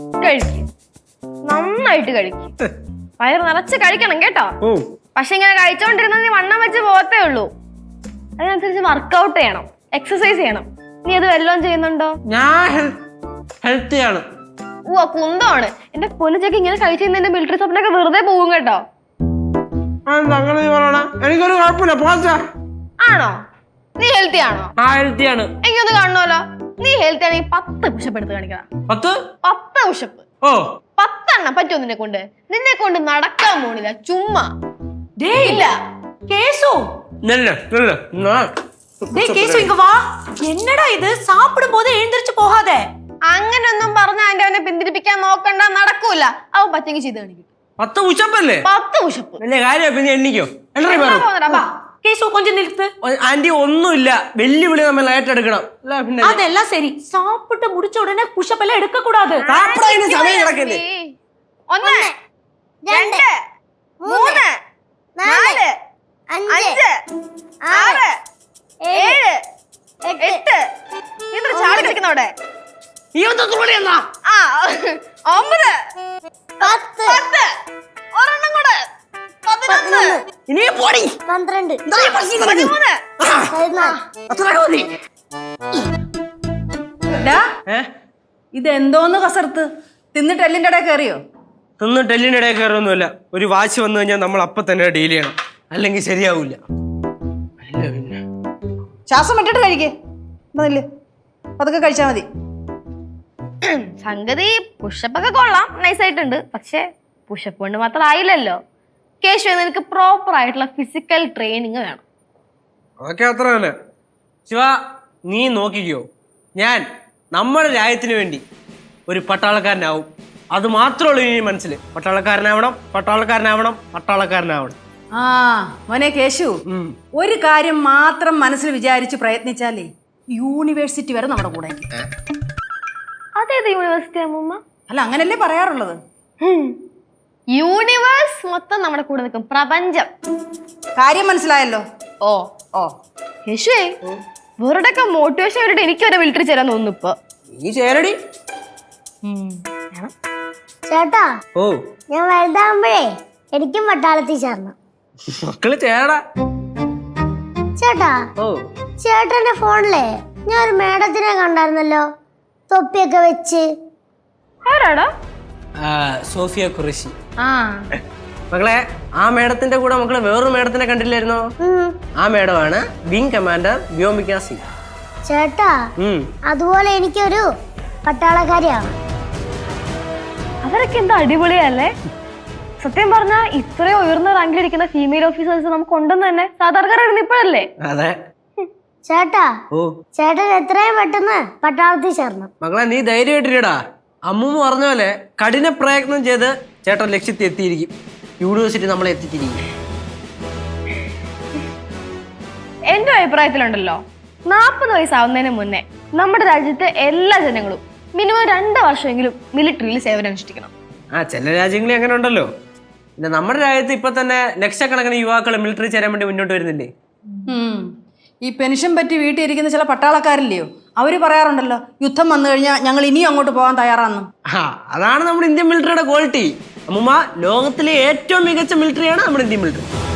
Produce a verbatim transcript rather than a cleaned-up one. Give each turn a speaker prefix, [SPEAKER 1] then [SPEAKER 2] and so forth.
[SPEAKER 1] കഴിക്കും, നന്നായിട്ട് കഴിക്കും. വയറ് നിറച്ച് കഴിക്കണം കേട്ടോ. പക്ഷെ ഇങ്ങനെ കഴിച്ചോണ്ടിരുന്ന നീ വണ്ണം വെച്ച് പോകത്തേ ഉള്ളൂ. അതിനനുസരിച്ച് വർക്കൗട്ട് ചെയ്യണം, എക്സസൈസ് ചെയ്യണം. നീ അത് വല്ലതും ചെയ്യുന്നുണ്ടോ?
[SPEAKER 2] ഞാൻ ഹെൽത്തിയാണ്.
[SPEAKER 1] ഓ കുന്തമാണ്. എന്റെ പൊന്നുചക്ക് ഇങ്ങനെ കഴിച്ചു എന്റെ മിലിറ്ററി സ്വപ്നൊക്കെ വെറുതെ പോകും കേട്ടോ.
[SPEAKER 2] എനിക്കൊരു കുഴപ്പമില്ല. പോച്ചാ
[SPEAKER 1] ആണോ? നീ ഹെൽത്തി ആണോ?
[SPEAKER 2] ആ ഹെൽത്തിയാണ്.
[SPEAKER 1] എനിക്കൊന്ന് കാണണമല്ലോ. നീ ഹെൽത്തി ആണെങ്കിൽ പത്ത് പുഷപ്പ് എടുത്ത് കാണിക്കണം.
[SPEAKER 2] പത്ത്
[SPEAKER 1] പത്ത് പുഷപ്പ്.
[SPEAKER 2] ഓ
[SPEAKER 1] പത്തെണ്ണം പറ്റുമോ നിന്നെ കൊണ്ട്? നിന്നെ കൊണ്ട് നടക്കാൻ പോണില്ല, ചുമ്മാ. ഇല്ല
[SPEAKER 3] கேசு
[SPEAKER 2] நல்ல நல்ல
[SPEAKER 3] டேய் கேசு இங்க வா. என்னடா இது? சாப்பிடும் போது எழுந்திருச்சு போகாத.
[SPEAKER 1] അങ്ങനൊന്നും പറഞ്ഞ ആന്റി അവനെ പിന്തിരിപ്പിക്കാൻ നോക്കണ്ട, നടക്കൂല. അവൻ പറ്റെങ്കിൽ ചെയ്ത് കാണിക്കും.
[SPEAKER 2] പത്ത് പുഷപ്പല്ലേ?
[SPEAKER 1] പത്ത് പുഷപ്പ്.
[SPEAKER 2] വലിയ കാര്യം. പിന്നെ എണ്ണിക്കോ?
[SPEAKER 3] കേസു கொஞ்சம் நிறுத்து.
[SPEAKER 2] ആന്റി ഒന്നുമില്ല, വെല്ലുവിളി നമ്മൾ ഏറ്റെടുക്കണം.
[SPEAKER 3] அதெல்லாம் சரி. சாப்பிட்டு முடிச்ச உடனே புஷப் எல்லாம் எடுக்க கூடாது.
[SPEAKER 2] സാപ്പിടാൻ സമയം കിടക്കല്ലേ?
[SPEAKER 1] ഒന്ന് രണ്ട് മൂന്ന് നാല് അഞ്ച് ആറ് ഏഴ് എട്ട്. ഇത്ര ചാടി കളിക്കുന്നവിടെ. ആ ഒമ്പത് പത്ത് ഒരെണ്ണം കൂടെ പതിനൊന്ന് പന്ത്രണ്ട് പതിമൂന്ന്.
[SPEAKER 3] ഇത് എന്തോന്ന് കസർത്ത്? തിന്നിട്ട് എല്ലിന്റെ ഇടയിൽ കയറിയോ?
[SPEAKER 2] തിന്നിട്ട് എല്ലിന്റെ ഇടയിൽ കയറൊന്നുമില്ല. ഒരു വാശി വന്നു കഴിഞ്ഞാൽ നമ്മൾ അപ്പൊ തന്നെ ഡീൽ ചെയ്യണം, അല്ലെങ്കിൽ ശരിയാവൂല.
[SPEAKER 3] ശ്വാസം വിട്ടിട്ട് കഴിക്കേ. അതൊക്കെ കഴിച്ചാ മതി.
[SPEAKER 1] സംഗതി പുഷപ്പൊക്കെ കൊള്ളാം, നൈസായിട്ടുണ്ട്. പക്ഷെ പുഷപ്പ് കൊണ്ട് മാത്രം ആയില്ലല്ലോ. കേശു, നിനക്ക് പ്രോപ്പർ ആയിട്ടുള്ള ഫിസിക്കൽ ട്രെയിനിങ് വേണം.
[SPEAKER 2] അതൊക്കെ അത്ര തന്നെ. ശിവ, നീ നോക്കിക്കോ, ഞാൻ നമ്മുടെ രാജ്യത്തിന് വേണ്ടി ഒരു പട്ടാളക്കാരനാവും. അത് മാത്രമുള്ളൂ ഇനി മനസ്സിൽ. പട്ടാളക്കാരനാവണം, പട്ടാളക്കാരനാവണം, പട്ടാളക്കാരനാവണം.
[SPEAKER 3] ആ മോനെ കേശു, ഒരു കാര്യം മാത്രം മനസ്സിൽ വിചാരിച്ച് പ്രയത്നിച്ചാലേ യൂണിവേഴ്സിറ്റി വരെ നമ്മുടെ കൂടെ.
[SPEAKER 1] അതേത് യൂണിവേഴ്സിറ്റി അമ്മൂമ്മ?
[SPEAKER 3] അല്ല, അങ്ങനല്ലേ പറയാറുള്ളത്.
[SPEAKER 1] യൂണിവേഴ്സ് മൊത്തം നമ്മുടെ കൂടെ നിൽക്കും, പ്രപഞ്ചം.
[SPEAKER 3] കാര്യം മനസ്സിലായല്ലോ.
[SPEAKER 1] ഓ ഓ യേശുവേ, വെറുതെ മോട്ടിവേഷൻ ആയിട്ട് എനിക്ക് വരെ മിലിറ്ററി ചേരാൻ തോന്നുന്നു ഇപ്പൊ.
[SPEAKER 2] നീ ചേരടി
[SPEAKER 4] ചേട്ടാ.
[SPEAKER 2] ഓ
[SPEAKER 4] ഞാൻ വലുതാകുമ്പോഴേ എനിക്കും പട്ടാളത്തിൽ ചേർന്നു.
[SPEAKER 2] മക്കള് ചേരടാ.
[SPEAKER 4] ചേട്ടാ,
[SPEAKER 2] ഓ
[SPEAKER 4] ചേട്ടന്റെ ഫോണിലെ ഞാൻ ഒരു മേഡത്തിനെ കണ്ടായിരുന്നല്ലോ, തൊപ്പിയൊക്കെ വെച്ച്.
[SPEAKER 1] ആരാടാ?
[SPEAKER 2] സോഫിയ ഖുറേഷി.
[SPEAKER 1] ആ
[SPEAKER 2] മക്കളെ, ആ മേഡത്തിന്റെ കൂടെ മക്കളെ വേറൊരു മേഡത്തിനെ കണ്ടില്ലായിരുന്നോ? ആ മേഡമാണ് വിംഗ് കമാൻഡർ വ്യോമിക സിംഗ്.
[SPEAKER 4] ചേട്ടാ, അതുപോലെ എനിക്കൊരു പട്ടാളക്കാരിയാണ്.
[SPEAKER 1] അവരൊക്കെ എന്താ അടിപൊളിയല്ലേ? സത്യം പറഞ്ഞാ ഇത്രയും ഉയർന്ന റാങ്കിലിരിക്കുന്ന ഫീമെയിൽ ഓഫീസേഴ്സ് നമുക്ക് ഉണ്ടെന്ന് തന്നെ സാധാരണക്കാരായിരുന്നു ഇപ്പോഴല്ലേ?
[SPEAKER 2] അതെ
[SPEAKER 4] ചേട്ടാ.
[SPEAKER 2] ഓ
[SPEAKER 4] ചേട്ടൻ എത്രയും പെട്ടെന്ന് പട്ടാളത്തിൽ ചേർന്നു.
[SPEAKER 2] മക്കളെ, നീ ധൈര്യമായിട്ടിരിക്കടാ. അമ്മൂമ്മ പറഞ്ഞ പോലെ കഠിന പ്രയത്നം ചെയ്ത് ചേട്ടൻ ലക്ഷ്യത്തിൽ എത്തിയിരിക്കും. യൂണിവേഴ്സിറ്റി നമ്മളെ എത്തിച്ചിരിക്കും.
[SPEAKER 1] എന്റെ അഭിപ്രായത്തിലുണ്ടല്ലോ, നാൽപ്പത് വയസ്സാവുന്നതിന് മുന്നേ നമ്മുടെ രാജ്യത്തെ എല്ലാ ജനങ്ങളും മിനിമം രണ്ട് വർഷമെങ്കിലും മിലിറ്ററിയിൽ സേവനം അനുഷ്ഠിക്കണം.
[SPEAKER 2] ആ ചില രാജ്യങ്ങളിൽ അങ്ങനെ ഉണ്ടല്ലോ. പിന്നെ നമ്മുടെ രാജ്യത്ത് ഇപ്പൊ തന്നെ ലക്ഷക്കണക്കിന് യുവാക്കൾ മിലിറ്ററി ചേരാൻ വേണ്ടി മുന്നോട്ട് വരുന്നില്ലേ?
[SPEAKER 3] ഈ പെൻഷൻ പറ്റി വീട്ടിൽ ഇരിക്കുന്ന ചില പട്ടാളക്കാരില്ലയോ, അവര് പറയാറുണ്ടല്ലോ, യുദ്ധം വന്നു കഴിഞ്ഞാൽ ഞങ്ങൾ ഇനിയും അങ്ങോട്ട് പോകാൻ തയ്യാറാണെന്നും.
[SPEAKER 2] ആ അതാണ് നമ്മുടെ ഇന്ത്യൻ മിലിറ്ററിയുടെ ക്വാളിറ്റി. അമ്മൂമ്മ, ലോകത്തിലെ ഏറ്റവും മികച്ച മിലിറ്ററിയാണ് നമ്മുടെ ഇന്ത്യൻ മിലിറ്ററി.